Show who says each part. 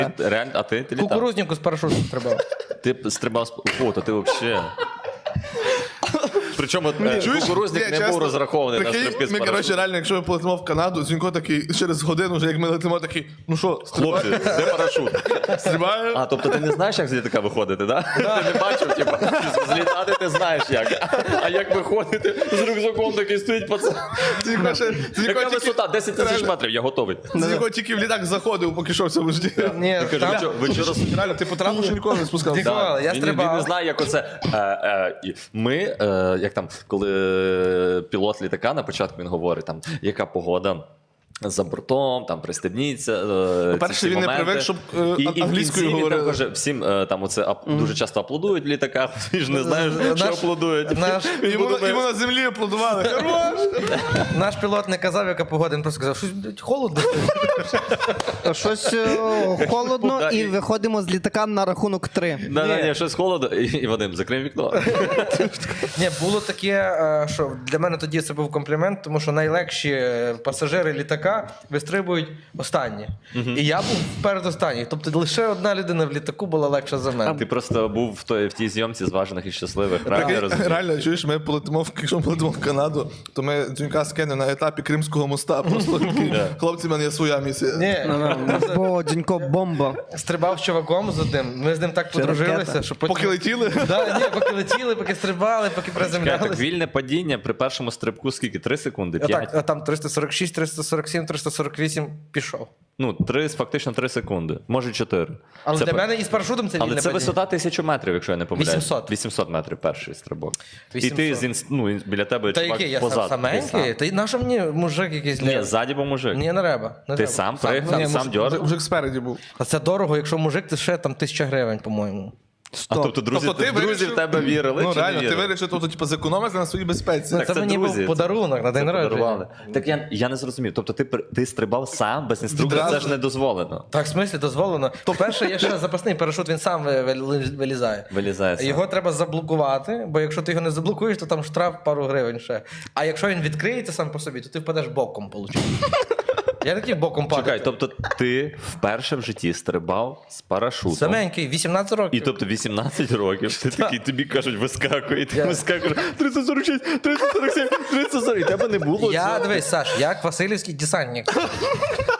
Speaker 1: Реально, а ти літав?
Speaker 2: Кукурузнику з парашутом стрибав.
Speaker 1: Ти стрибав з... О, то ти взагалі... Причому кукурузник не був розрахований на
Speaker 3: Прикинь,
Speaker 1: стрибки з
Speaker 3: ми, коротше,
Speaker 1: парашутом.
Speaker 3: реально, якщо ми полетимо в Канаду, Зінько такий, через годину, вже як ми летимо, такий, ну що,
Speaker 1: Хлопці, де парашут?
Speaker 3: стрибає?
Speaker 1: А, тобто ти не знаєш, як з літака виходити, да? Ти не бачив, типу, злітати ти знаєш як. А як виходити, з рюкзаком такий стоїть пацан. Яка висота? 10 тисяч метрів, я готовий.
Speaker 3: Зінько тільки в літак заходив, поки що в цьому житті.
Speaker 2: Ні,
Speaker 1: Я кажу,
Speaker 2: там...
Speaker 1: ви вчора...
Speaker 3: Реально, ти по трампу ще ніколи не спускав.
Speaker 2: Ти- Ніколи, я
Speaker 1: Він
Speaker 2: стрибав.
Speaker 1: не знає, як оце. Ми, як там, коли пілот літака на початку він говорить, там, яка погода. За бортом, там пристебніться.
Speaker 3: По-перше, він не привик, щоб англійською говорили.
Speaker 1: Каже, всім там оце дуже часто аплодують в літаках, ти ж не знаєш, що
Speaker 2: Наш-
Speaker 1: аплодують.
Speaker 2: Наш,
Speaker 3: Йому на землі аплодували. Хорош!
Speaker 2: наш пілот не казав, яка погода, він просто сказав, щось блядь, холодно.
Speaker 4: Щось холодно,
Speaker 1: Да,
Speaker 4: і
Speaker 1: і-
Speaker 4: виходимо з літака на рахунок 3.
Speaker 1: Ні, щось холодно, і Вадим, закрив вікно.
Speaker 2: Ні, було таке, що для мене тоді це був комплімент, тому що найлегші пасажири літака вистрибують останні. І я був передостанній. Тобто лише одна людина в літаку була легша за мене.
Speaker 1: Ти просто був в тій зйомці зважених і щасливих. Правильно я розумію?
Speaker 3: Реально, чуєш, ми полетимо, якщо ми полетимо в Канаду, то ми Дзюнька скинемо на етапі Кримського моста. Просто такі, хлопці, в мене є своя місія.
Speaker 2: Ні,
Speaker 4: Бо Дзюнько бомба.
Speaker 2: стрибав з чуваком з одним, ми з ним так подружилися,
Speaker 4: ракета.
Speaker 2: що потім...
Speaker 3: Поки летіли,
Speaker 2: Да, ні, поки летіли, поки стрибали, поки
Speaker 1: Чекай, так
Speaker 2: приземлялися.
Speaker 1: вільне падіння при першому стрибку скільки? 3 секунди? 5?
Speaker 2: А там 346, 347, 348 пішов.
Speaker 1: Ну, фактично 3 секунди. Може 4.
Speaker 2: Але
Speaker 1: Це
Speaker 2: для
Speaker 1: по-
Speaker 2: мене і з парашутом це
Speaker 1: Але
Speaker 2: вільне
Speaker 1: це
Speaker 2: падіння.
Speaker 1: висота 1000 метрів, якщо я не помиляюсь.
Speaker 2: 800.
Speaker 1: 800 метрів перший стрибок.
Speaker 2: 800.
Speaker 1: І ти біля тебе
Speaker 2: Та
Speaker 1: чувак
Speaker 2: який, я
Speaker 1: позаду.
Speaker 2: саменький? Та й наша мені мужик якийсь.
Speaker 1: Ні, ззаді був мужик.
Speaker 2: Ні, не треба. Не
Speaker 1: Ти
Speaker 2: треба.
Speaker 1: сам пригнув,
Speaker 2: Ні,
Speaker 1: сам дьорнув?
Speaker 3: вже спереді був.
Speaker 2: А це дорого, якщо мужик, то ще там 1000 гривень, по-моєму.
Speaker 1: А тобто друзі,
Speaker 3: Тобто ти
Speaker 1: друзі
Speaker 3: вирішив-
Speaker 1: в тебе вірили
Speaker 3: Ну
Speaker 1: чи не
Speaker 3: реально, ти
Speaker 1: вірили?
Speaker 3: вирішив, тобто, зекономити на своїй безпеці.
Speaker 1: Так,
Speaker 2: це мені був
Speaker 1: друзі,
Speaker 2: подарунок на день
Speaker 1: це подарували.
Speaker 2: народження.
Speaker 1: Так я не зрозумів. Тобто ти стрибав сам без інструкції,
Speaker 3: Відразу.
Speaker 1: це ж не дозволено.
Speaker 2: Так, в смислі, дозволено. По-перше, є ще запасний парашут, він сам вилізає.
Speaker 1: Вилізає сам.
Speaker 2: Його треба заблокувати, бо якщо ти його не заблокуєш, то там штраф пару гривень ще. А якщо він відкриється сам по собі, то ти впадеш боком, виходить. Я такий боком падаю.
Speaker 1: Чекай, тобто ти вперше в житті стрибав з парашутом.
Speaker 2: Саменький, 18 років.
Speaker 1: І тобто 18 років, ти такий, тобі кажуть, вискакуй, і ти вискакуєш 346, 347, 340, і тебе не було
Speaker 2: Я,
Speaker 1: цього.
Speaker 2: дивись, Саш, як Васильівський десантник.